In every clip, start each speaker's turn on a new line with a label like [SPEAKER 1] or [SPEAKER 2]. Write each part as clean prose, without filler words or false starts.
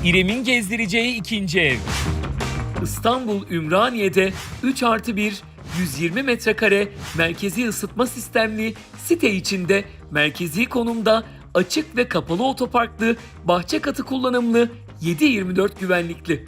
[SPEAKER 1] İrem'in gezdireceği ikinci ev. İstanbul Ümraniye'de 3+1, 120 metrekare merkezi ısıtma sistemli site içinde merkezi konumda açık ve kapalı otoparklı, bahçe katı kullanımlı, 7/24 güvenlikli.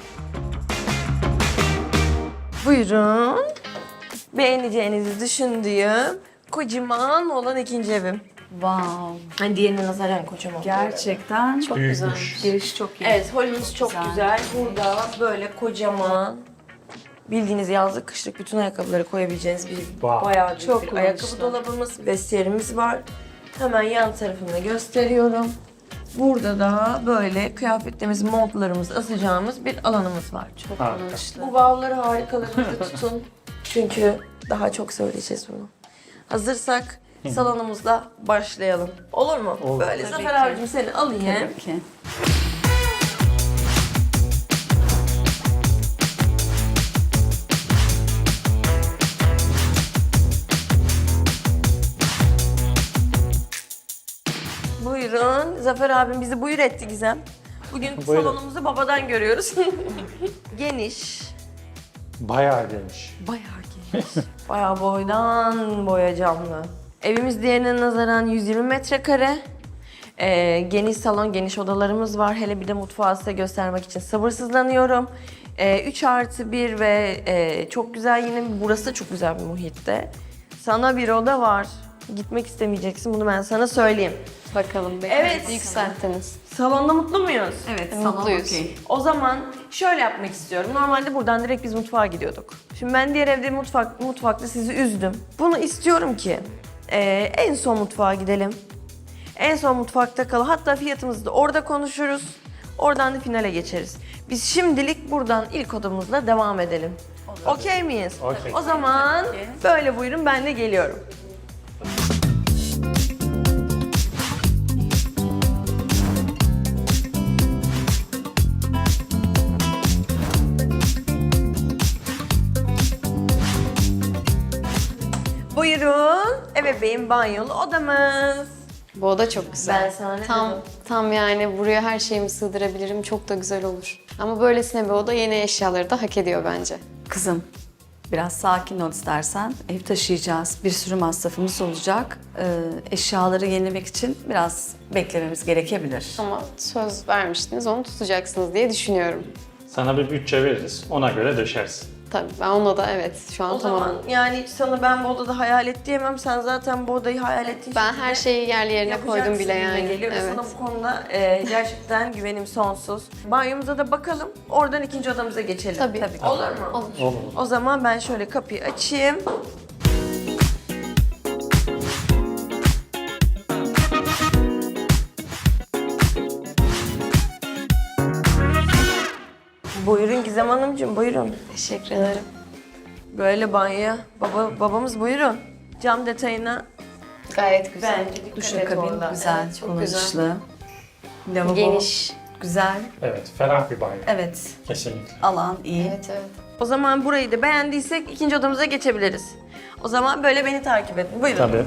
[SPEAKER 2] Buyurun. Beğeneceğinizi düşündüğüm kocaman olan ikinci evim.
[SPEAKER 3] Wow.
[SPEAKER 2] Hani diğerine nazaran kocaman.
[SPEAKER 3] Gerçekten çok güzel. Giriş çok iyi.
[SPEAKER 2] Evet, holümüz çok güzel. Burada böyle kocaman, bildiğiniz yazlık, kışlık bütün ayakkabıları koyabileceğiniz bir bayağı büyük
[SPEAKER 3] Çok
[SPEAKER 2] bir ayakkabı
[SPEAKER 3] kullanışlı.
[SPEAKER 2] dolabımız, vestiyerimiz var. Hemen yan tarafında gösteriyorum. Burada da böyle kıyafetlerimiz, montlarımızı asacağımız bir alanımız var.
[SPEAKER 3] Çok kullanışlı.
[SPEAKER 2] Bu bavulları harikalarınızda tutun. Çünkü daha çok söyleyeceğiz bunu. Hazırsak salonumuzla başlayalım. Olur mu?
[SPEAKER 4] Olur.
[SPEAKER 2] Böyle
[SPEAKER 3] Tabii
[SPEAKER 2] Zafer
[SPEAKER 3] ki.
[SPEAKER 2] abicim seni alayım.
[SPEAKER 3] Tabii ki.
[SPEAKER 2] Buyurun. Zafer abim bizi buyur etti Gizem. Bugün
[SPEAKER 4] Buyurun.
[SPEAKER 2] salonumuzu babadan görüyoruz. Geniş.
[SPEAKER 4] Bayağı geniş.
[SPEAKER 2] Bayağı geniş. Bayağı boydan boya camlı. Evimiz diğerine nazaran 120 metrekare. Geniş salon, geniş odalarımız var. Hele bir de mutfağı size göstermek için sabırsızlanıyorum. 3+1 ve çok güzel, yine burası da çok güzel bir muhitte. Sana bir oda var. Gitmek istemeyeceksin, bunu ben sana söyleyeyim.
[SPEAKER 5] Bakalım
[SPEAKER 2] Evet.
[SPEAKER 5] yükselttiniz.
[SPEAKER 2] Salonda mutlu muyuz?
[SPEAKER 3] Evet, salon
[SPEAKER 5] Mutluyuz.
[SPEAKER 3] okey.
[SPEAKER 2] O zaman şöyle yapmak istiyorum. Normalde buradan direkt biz mutfağa gidiyorduk. Şimdi ben diğer evde mutfakta sizi üzdüm. Bunu istiyorum ki en son mutfağa gidelim. En son mutfakta kalalım. Hatta fiyatımızı da orada konuşuruz. Oradan da finale geçeriz. Biz şimdilik buradan ilk odamızla devam edelim. Okey miyiz?
[SPEAKER 4] Okey.
[SPEAKER 2] O zaman böyle buyurun, ben de geliyorum. Buyurun, ebeveyn banyolu odamız.
[SPEAKER 5] Bu oda çok güzel.
[SPEAKER 2] Ben sana ne
[SPEAKER 5] tam,
[SPEAKER 2] dedim?
[SPEAKER 5] tam yani buraya her şeyimi sığdırabilirim. Çok da güzel olur. Ama böylesine bir oda yeni eşyaları da hak ediyor bence.
[SPEAKER 3] Kızım, biraz sakin ol istersen. Ev taşıyacağız. Bir sürü masrafımız olacak. Eşyaları yenilemek için biraz beklememiz gerekebilir.
[SPEAKER 5] Ama söz vermiştiniz, onu tutacaksınız diye düşünüyorum.
[SPEAKER 4] Sana bir bütçe veririz. Ona göre döşersin.
[SPEAKER 5] Tabii ben ona da evet şu an
[SPEAKER 2] O
[SPEAKER 5] tamam.
[SPEAKER 2] zaman yani sana ben bu odada hayal et diyemem. Sen zaten bu odayı hayal ettiğin
[SPEAKER 5] Ben
[SPEAKER 2] şekilde
[SPEAKER 5] her şeyi yerli yerine
[SPEAKER 2] yapacaksın
[SPEAKER 5] koydum bile
[SPEAKER 2] gibime
[SPEAKER 5] yani.
[SPEAKER 2] geliyor. Ve
[SPEAKER 5] Evet.
[SPEAKER 2] sana bu konuda gerçekten güvenim sonsuz. Banyomuza da bakalım. Oradan ikinci odamıza geçelim.
[SPEAKER 5] Tabii.
[SPEAKER 2] Olur mu?
[SPEAKER 5] Olur.
[SPEAKER 4] Olur.
[SPEAKER 2] O zaman ben şöyle kapıyı açayım. Buyurun Gizem Hanımcığım, buyurun.
[SPEAKER 5] Teşekkür ederim.
[SPEAKER 2] Böyle banyo. Babamız buyurun. Cam detayına
[SPEAKER 5] Gayet güzel.
[SPEAKER 2] bence dikkat et
[SPEAKER 3] Duşakabin
[SPEAKER 2] orada.
[SPEAKER 3] güzel,
[SPEAKER 5] Evet, çok
[SPEAKER 3] kullanışlı. Lavabo
[SPEAKER 5] Geniş.
[SPEAKER 3] güzel.
[SPEAKER 4] Evet, ferah bir banyo.
[SPEAKER 3] Evet,
[SPEAKER 4] Kesinlikle.
[SPEAKER 3] alan iyi.
[SPEAKER 5] Evet evet.
[SPEAKER 2] O zaman burayı da beğendiysek ikinci odamıza geçebiliriz. O zaman böyle beni takip edin. Buyurun.
[SPEAKER 4] Tabii.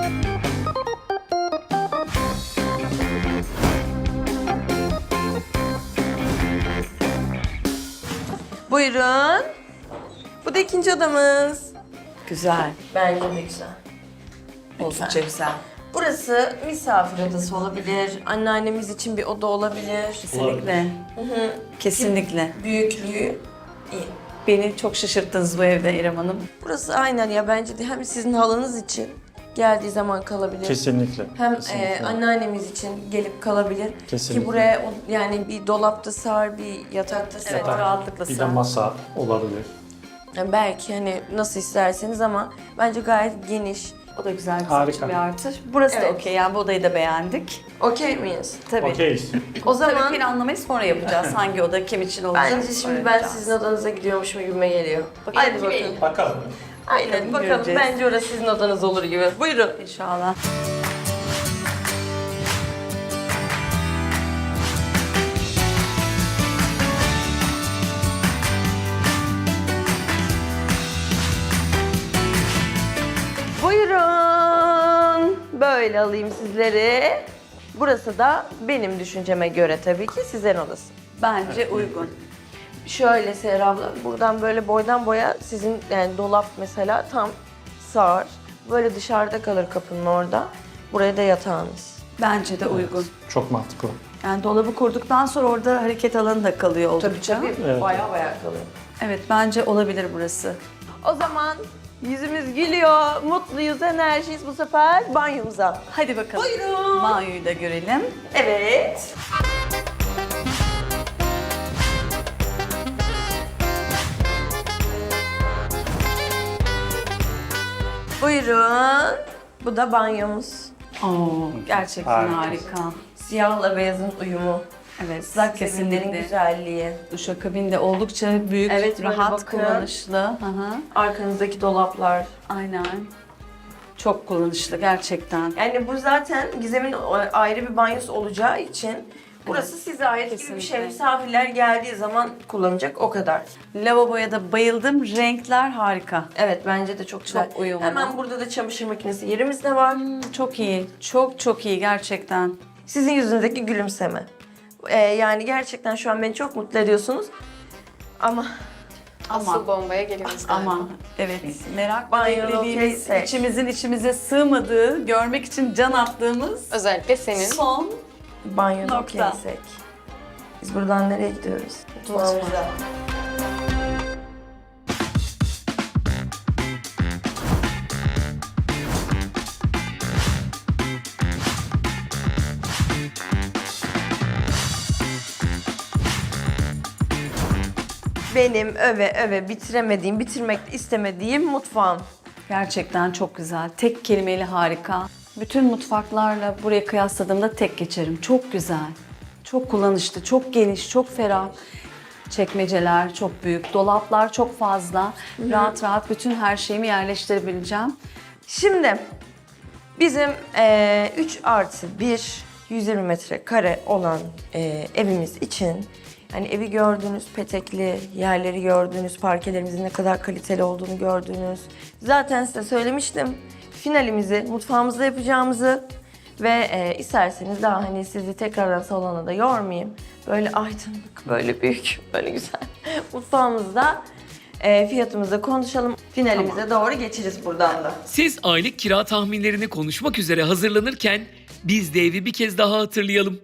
[SPEAKER 2] Buyurun. Bu da ikinci odamız.
[SPEAKER 3] Güzel,
[SPEAKER 2] Bence de güzel.
[SPEAKER 3] oldukça güzel.
[SPEAKER 2] Burası misafir odası olabilir. Anneannemiz için bir oda olabilir.
[SPEAKER 3] Kesinlikle. Kesinlikle.
[SPEAKER 2] Büyüklüğü iyi.
[SPEAKER 3] Beni çok şaşırttınız bu evde İrem Hanım.
[SPEAKER 2] Burası aynen ya, bence de hem sizin halınız için geldiği zaman kalabilir.
[SPEAKER 4] Kesinlikle.
[SPEAKER 2] Hem
[SPEAKER 4] Kesinlikle.
[SPEAKER 2] anneannemiz için gelip kalabilir.
[SPEAKER 4] Kesinlikle.
[SPEAKER 2] Ki buraya yani bir dolapta sığar, bir yatakta sığar.
[SPEAKER 3] Evet, rahatlıkla
[SPEAKER 4] Bir de
[SPEAKER 3] sığar.
[SPEAKER 4] masa olabilir.
[SPEAKER 2] Yani belki hani nasıl isterseniz ama bence gayet geniş.
[SPEAKER 3] O da güzel, bizim
[SPEAKER 4] Harika.
[SPEAKER 3] için bir artı. Burası da
[SPEAKER 2] Evet.
[SPEAKER 3] okey, yani bu odayı da beğendik.
[SPEAKER 2] Okey miyiz?
[SPEAKER 3] Tabii.
[SPEAKER 4] Okeyiz.
[SPEAKER 2] O zaman
[SPEAKER 3] Tabii planlamayı sonra yapacağız. Hangi oda kim için olacak?
[SPEAKER 2] bence şimdi ben
[SPEAKER 3] Öğreneceğiz.
[SPEAKER 2] sizin odanıza gidiyormuşum gibime geliyor. Hadi bakalım.
[SPEAKER 4] Bakalım.
[SPEAKER 2] Aynen bakalım.
[SPEAKER 3] göreceğiz.
[SPEAKER 2] Bence orası sizin odanız olur gibi. Buyurun.
[SPEAKER 3] İnşallah.
[SPEAKER 2] Buyurun. Böyle alayım sizleri. Burası da benim düşünceme göre tabii ki sizin odası.
[SPEAKER 3] Bence uygun.
[SPEAKER 2] Şöyle Seher abla, buradan böyle boydan boya sizin yani dolap mesela tam sığar. Böyle dışarıda kalır kapının orada. Buraya da yatağınız.
[SPEAKER 3] Bence de uygun.
[SPEAKER 4] Çok mantıklı.
[SPEAKER 3] Yani dolabı kurduktan sonra orada hareket alanı da kalıyor
[SPEAKER 2] Tabii
[SPEAKER 3] oldukça.
[SPEAKER 2] tabii,
[SPEAKER 4] Evet.
[SPEAKER 2] baya kalıyor.
[SPEAKER 3] Evet, bence olabilir burası.
[SPEAKER 2] O zaman yüzümüz gülüyor, mutluyuz, enerjiyiz bu sefer banyomuza.
[SPEAKER 3] Hadi bakalım.
[SPEAKER 2] Buyurun.
[SPEAKER 3] Banyoyu da görelim.
[SPEAKER 2] Evet. Buyurun. Bu da banyomuz.
[SPEAKER 3] Oo, gerçekten
[SPEAKER 4] Harika.
[SPEAKER 3] harika.
[SPEAKER 2] Siyahla beyazın uyumu.
[SPEAKER 3] Evet,
[SPEAKER 2] Zeminlerin
[SPEAKER 3] kesinlikle.
[SPEAKER 2] güzelliği.
[SPEAKER 3] Duşakabin de oldukça büyük,
[SPEAKER 2] Evet, böyle
[SPEAKER 3] rahat,
[SPEAKER 2] bakın.
[SPEAKER 3] kullanışlı. Hı hı.
[SPEAKER 2] Arkanızdaki dolaplar.
[SPEAKER 3] Aynen. Çok kullanışlı gerçekten.
[SPEAKER 2] Yani bu zaten Gizem'in ayrı bir banyosu olacağı için burası size ait gibi bir şey.
[SPEAKER 3] Kesinlikle.
[SPEAKER 2] Misafirler geldiği zaman kullanacak o kadar.
[SPEAKER 3] Lavaboya da bayıldım. Renkler harika.
[SPEAKER 2] Evet bence de çok güzel.
[SPEAKER 3] Çok uyumlu.
[SPEAKER 2] Hemen burada da çamaşır makinesi yerimiz de var.
[SPEAKER 3] Çok iyi. Çok çok iyi gerçekten.
[SPEAKER 2] Sizin yüzünüzdeki gülümseme. Yani gerçekten şu an beni çok mutlu ediyorsunuz. Ama
[SPEAKER 5] Asıl bombaya geliyoruz.
[SPEAKER 3] Ama evet, merak
[SPEAKER 2] Banyo
[SPEAKER 3] beklediğimiz,
[SPEAKER 2] okeyse.
[SPEAKER 3] içimizin içimize sığmadığı, görmek için can attığımız
[SPEAKER 5] Özellikle senin.
[SPEAKER 3] son
[SPEAKER 2] banyoda
[SPEAKER 3] Nokta.
[SPEAKER 2] okeysek. Biz buradan nereye gidiyoruz? Mutfağımıza. Benim öve bitiremediğim, bitirmek istemediğim mutfağım.
[SPEAKER 3] gerçekten çok güzel. Tek kelimeyle harika. Bütün mutfaklarla buraya kıyasladığımda tek geçerim. Çok güzel. Çok kullanışlı, çok geniş, çok ferah. Çekmeceler çok büyük, dolaplar çok fazla. Rahat rahat bütün her şeyimi yerleştirebileceğim.
[SPEAKER 2] Şimdi bizim 3+1 120 metrekare olan evimiz için hani evi gördünüz, petekli yerleri gördünüz, parkelerimizin ne kadar kaliteli olduğunu gördünüz. Zaten size söylemiştim finalimizi mutfağımızda yapacağımızı ve isterseniz daha hani sizi tekrardan salona da yormayayım. Böyle aydınlık, böyle büyük, böyle güzel mutfağımızda fiyatımızı konuşalım. Finalimize doğru geçeriz buradan da.
[SPEAKER 1] Siz aylık kira tahminlerini konuşmak üzere hazırlanırken biz de evi bir kez daha hatırlayalım.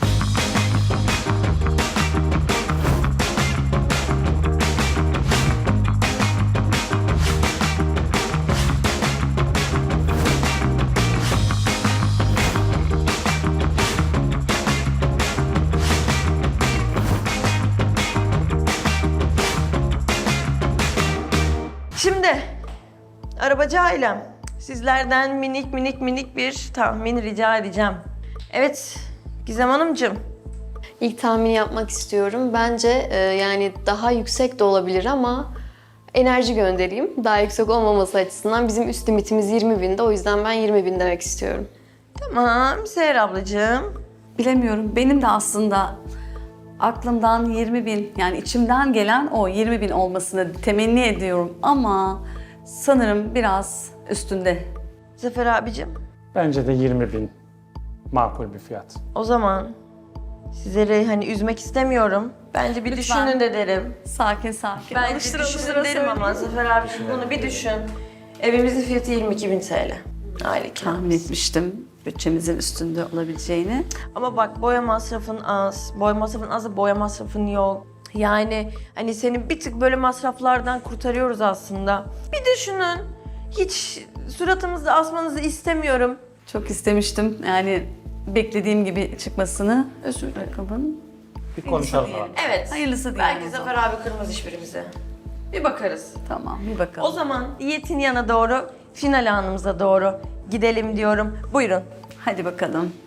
[SPEAKER 2] Şimdi arabacı ailem sizlerden minik bir tahmin rica edeceğim. Evet Gizem Hanımcığım.
[SPEAKER 5] İlk tahmini yapmak istiyorum. Bence yani daha yüksek de olabilir ama enerji göndereyim. Daha yüksek olmaması açısından bizim üst limitimiz 20.000'de. O yüzden ben 20.000 demek istiyorum.
[SPEAKER 2] Tamam Seher ablacığım.
[SPEAKER 3] Bilemiyorum. Benim de aslında aklımdan 20.000, yani içimden gelen o 20.000 olmasını temenni ediyorum ama sanırım biraz üstünde.
[SPEAKER 2] Zafer abicim.
[SPEAKER 4] Bence de 20.000 makul bir fiyat.
[SPEAKER 2] O zaman sizleri hani üzmek istemiyorum. Bence bir
[SPEAKER 3] Lütfen.
[SPEAKER 2] düşünün de derim.
[SPEAKER 3] Sakin sakin.
[SPEAKER 2] Bence
[SPEAKER 3] Alıştıra
[SPEAKER 2] düşünün
[SPEAKER 3] alıştıra
[SPEAKER 2] derim ama
[SPEAKER 3] söyleyeyim.
[SPEAKER 2] Zafer abicim bunu bir düşün. Evimizin fiyatı 22.000 TL. Aylık kira.
[SPEAKER 3] Tahmin etmiştim bütçemizin üstünde olabileceğini.
[SPEAKER 2] Ama bak boya masrafın az. Boya masrafın az da boya masrafın yok. Yani hani seni bir tık böyle masraflardan kurtarıyoruz aslında. Bir düşünün. Hiç suratımızda asmanızı istemiyorum.
[SPEAKER 3] Çok istemiştim yani beklediğim gibi çıkmasını. Özür dilerim.
[SPEAKER 4] Bir konuşalım abi.
[SPEAKER 2] Evet.
[SPEAKER 3] Hayırlısı diyelim
[SPEAKER 2] Belki
[SPEAKER 3] o zaman.
[SPEAKER 2] Zafer abi kırmaz hiçbirimize. Bir bakarız.
[SPEAKER 3] Tamam, bir bakalım.
[SPEAKER 2] O zaman diyetin yana doğru, final anımıza doğru gidelim diyorum. Buyurun.
[SPEAKER 3] Hadi bakalım.